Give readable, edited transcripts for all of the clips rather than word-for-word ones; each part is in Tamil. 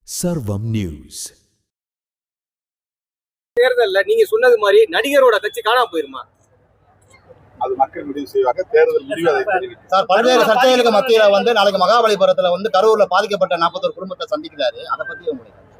சர்வம் நியூஸ். தேர்தல்ல நீங்க சொன்னது மாதிரி நடிகரோட கட்சி காணாம போயிருமா? அது மக்கள் முடிவு செய்வாங்க. தேர்தல் முடிவு அதை தெரிவிக்கும். சார், பல்வேறு சர்ச்சைகளுக்கு மத்தியில நாளைக்கு மகாபலிபுரத்துல கரூர்ல பாதிக்கப்பட்ட 41 குடும்பத்தை சந்திக்கிறாரு. அதை பத்தி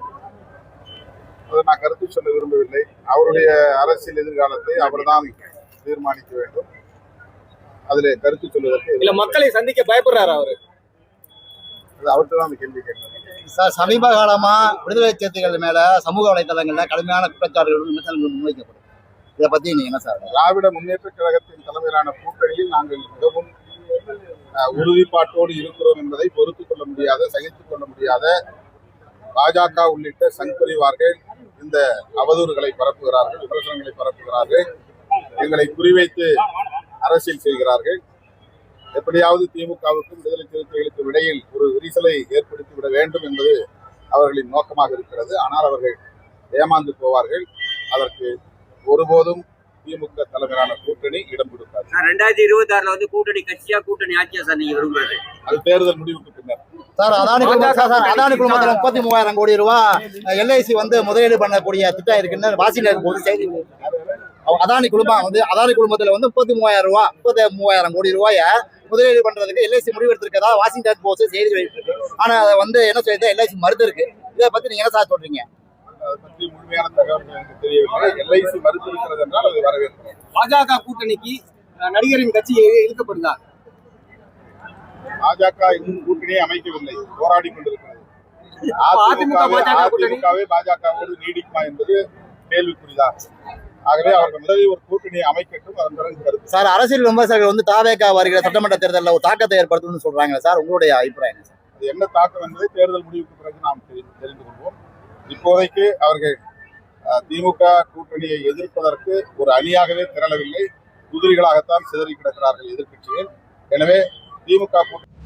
நான் கருத்து சொல்ல விரும்பவில்லை. அவருடைய அரசியல் எதிர்காலத்தை அவர்தான் தீர்மானிக்க வேண்டும். அதுல கருத்து சொல்வதற்கு இல்ல, மக்களை சந்திக்க பயப்படுறாரு அவரு. அவர்கிட்ட தான் அந்த கேள்வி கேட்கணும். சார், சமீப காலமா விடுதலை சிறுத்தைகள் மேல சமூக வலைதளங்கள்ல கடுமையான குற்றச்சாட்டுகள் விமர்சனங்கள் முன்வைக்கப்படும். இதை பத்தி நீங்க என்ன சார்? திராவிட முன்னேற்ற கழகத்தின் தலைமையிலான கூட்டணியில் நாங்கள் மிகவும் உறுதிப்பாட்டோடு இருக்கிறோம் என்பதை பொறுத்துக் கொள்ள முடியாத, சகித்துக் கொள்ள முடியாத பாஜக உள்ளிட்ட சங்பரிவார்கள் இந்த அவதூறுகளை பரப்புகிறார்கள், விமர்சனங்களை பரப்புகிறார்கள், எங்களை குறிவைத்து அரசியல் செய்கிறார்கள். எப்படியாவது திமுகவுக்கும் விடுதலை சிறுத்தைகளுக்கும் இடையில் ஒரு விரிசலை ஏற்படுத்திவிட வேண்டும் என்பது அவர்களின் நோக்கமாக இருக்கிறது. ஆனால் அவர்கள் ஏமாந்து போவார்கள். அதற்கு ஒருபோதும் திமுக தலைமையிலான கூட்டணி இடம் கொடுக்காது. 2026 கூட்டணி கட்சியா கூட்டணி ஆட்சியா சார் நீங்க விரும்புறது? அது தேர்தல் முடிவுக்கு பின்னர். சார், அதானி குழுமத்தில் 33,000 கோடி ரூபாய் LIC முதலீடு பண்ணக்கூடிய திட்டம் இருக்குன்னு வாஷிங்டன் போது செய்தி. அதானி குழுமத்துல 33,000 கோடி ரூபாய முதலீடு பண்றதுக்கு LIC முடிவெடுத்திருக்கதா வாஷிங்டன் போஸ்ட் செய்தி வெளியிட்டிருக்கு. ஆனா அதை என்ன சொல்லிட்டு LIC மறுத்து இருக்கு. இதை பத்தி நீங்க என்ன சார் சொல்றீங்க? அதை பற்றி முழுமையான தகவல் எனக்கு தெரியவில்லை. LIC மறுத்திருக்கிறது என்றால் அதை வரவேற்கிறோம். பாஜக கூட்டணிக்கு நடிகரின் கட்சி இழுக்கப்படுதா? பாஜக இன்னும் கூட்டணியை அமைக்கவில்லை, போராடி கொண்டிருக்கிறது. அதிமுகவே பாஜகவோடு நீடிக்குமா என்பது கேள்விக்குறிதான். ஆகவே அவர்கள் முதலில் ஒரு கூட்டணியை அமைக்கட்டும், அதன் பிறகு கருத்து. சார், அரசியல் விமர்சகர்கள் தாவேகா வருகிற சட்டமன்ற தேர்தலில் ஒரு தாக்கத்தை ஏற்படுத்தும்னு சொல்றாங்க சார். உங்களுடைய அபிப்பிராயம் சார்? அது என்ன தாக்கம் என்பதை தேர்தல் முடிவுக்கு பிறகு நாம் தெரிந்து கொள்வோம். இப்போதைக்கு அவர்கள் திமுக கூட்டணியை எதிர்ப்பதற்கு ஒரு அணியாகவே திரளவில்லை, குதிரைகளாகத்தான் சிதறி கிடக்கிறார்கள் எதிர்கட்சிகள். எனவே திமுக கூட்டணி